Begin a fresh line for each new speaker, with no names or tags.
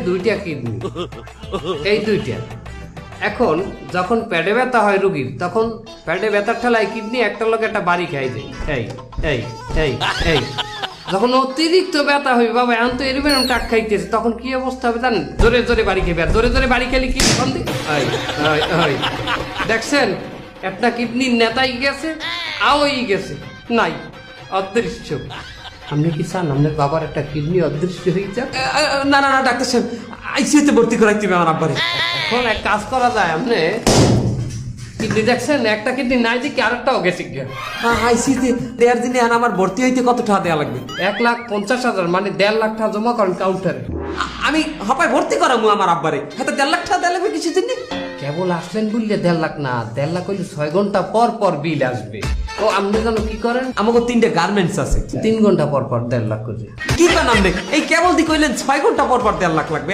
দুইটা কিডনি, এই দুইটা। এখন যখন পেটে ব্যথা হয় রুগীর, তখন পেটে ব্যথার ঠেলায় কিডনি একটার লোক একটা বাড়ি খাই যায়। এই এই এই এই যখন অতিরিক্ত ব্যথা হবে, বাবা এখন তো এরকম টাক খাইতেছে, তখন কি অবস্থা হবে জানেন? জোরে জোরে বাড়ি খেয়ে, জোরে জোরে বাড়ি খেলে কি দেখছেন একটা কিডনির নেতাই গেছে, আওই গেছে, নাই, অদৃশ্য। আপনি কি চান আপনার বাবার একটা কিডনি অদৃশ্য হয়ে যাক?
না না না ডাক্তার সাহেব, আইসিইউতে ভর্তি করাইতে হবে আমার আব্বারে।
এখন এক কাজ করা যায়, আপনি কিডনি দেখছেন একটা কিডনি নাই দেখি আরেকটাও গেছে গিয়া।
আইসিইউতে দেড় দিনে আর আমার ভর্তি হইতে কত টাকা দেওয়া লাগবে?
1,50,000, মানে 1.5 লাখ টাকা জমা করেন কাউন্টারে।
আমি হপায় ভর্তি করামু আমার আব্বারে, হাতে 1.5 লাখ টাকা দেওয়া লাগবে কিছু দিন।
কেবল আসলেন বললে 1.5 লাখ না, 1.5 লাখ হইলে 6 ঘন্টা পর পর বিল আসবে। ও আপনি যেন কি করেন,
আমাকে 3টে গার্মেন্টস আছে,
3 ঘন্টা পর পর 1.5 লাখ করে।
কি কারণ আপনি এই কেবল দি কইলেন 6 ঘন্টা পর পর 1.5 লাখ লাগবে?